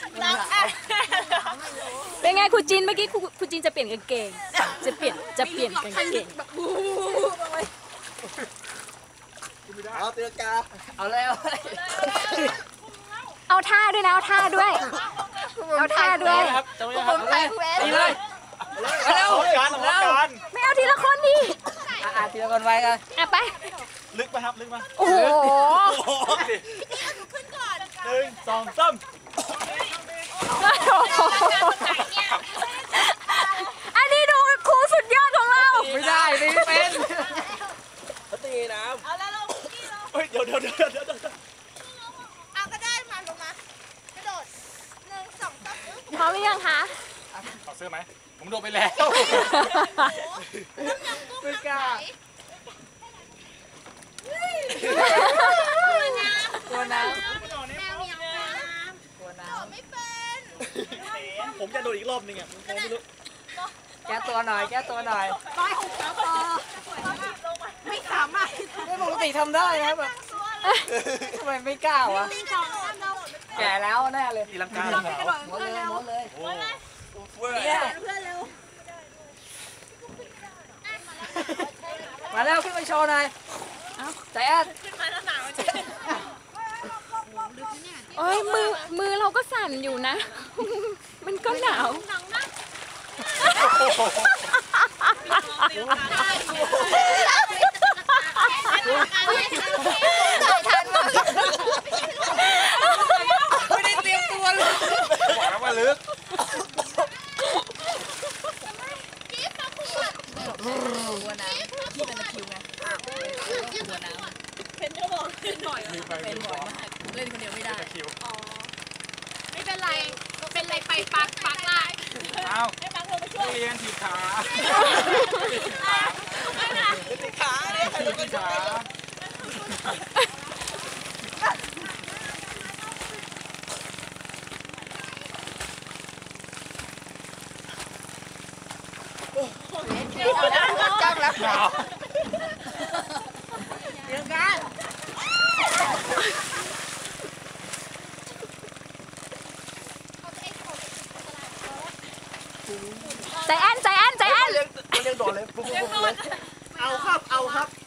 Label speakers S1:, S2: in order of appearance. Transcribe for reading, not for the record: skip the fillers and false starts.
S1: เป็นไงครูจินเมื่อกี้ครูจินจะเปลี่ยนกางเกงจะเปลี่ยนกางเกง
S2: เอาตีลังกาเอาเลย
S1: เอาท่าด้วยนะเอาท่าด้วย
S2: ครับจะไม่ทำอะไรดีเลยเร็วการ
S1: ไม่เอาทีละคนดิ
S2: ทีละคนไว้กัน
S1: ไป
S3: ลึกไหมครับลึกไหม
S1: โอ้โห
S3: ขึ้นก่อน1 2 3
S1: อันนี้ดูครูสุดยอดของเรา
S2: ไม่ได้ไม่เป็นเขาตีน้ำ
S3: เอาแล้วเราเฮ้ยเดี๋ยว
S4: เอาก็ได้มาลงมากระโดด1 2 3
S1: พร้อมหรือยังคะ
S3: ถอดเสื้อไหมผมโดดไปแล้ว
S2: ไม่กล้าตัวน้ำ
S4: ไม่เป็น
S3: ผมจะโดดอีกรอบนึงอ่ะผมไม่รู้
S2: แก้ตัวหน่อย
S4: ไม่สามารถ
S2: ไม่ปกติทำได้นะแบบทำไมไม่กล้าวะแก่แล้วแน่เลย
S3: ตีลังกา
S2: หมดเลยเนี่ยมาแล้วขึ้นมาโชว์หน่อยใจแอน
S1: โอ้ยมือเราก็สั่นอยู่นะมันก็หนาว
S2: ไม่ได้เตรียมตัวเลย
S3: บอกแล้วว่าลึก
S2: ตัวน้ำที่เป็นตะคิวไงตัวน้ำ
S4: เป็นจะบอกขึ้นหน่อย
S2: เป็นบ่อยมากเล่นคนเดียวไม่ได้
S4: ไม่เป็นไรเป็นไรไปปักไล่
S3: เอาให้ปักลงไปช่วยเรียนถีบขา
S2: ติดขาเนี่ย
S3: ถีบขา
S2: จังแล้ว
S3: หนาว
S2: เดี๋ยวกัน
S1: ใจแอน
S2: ยังโดดเลยเอาครับ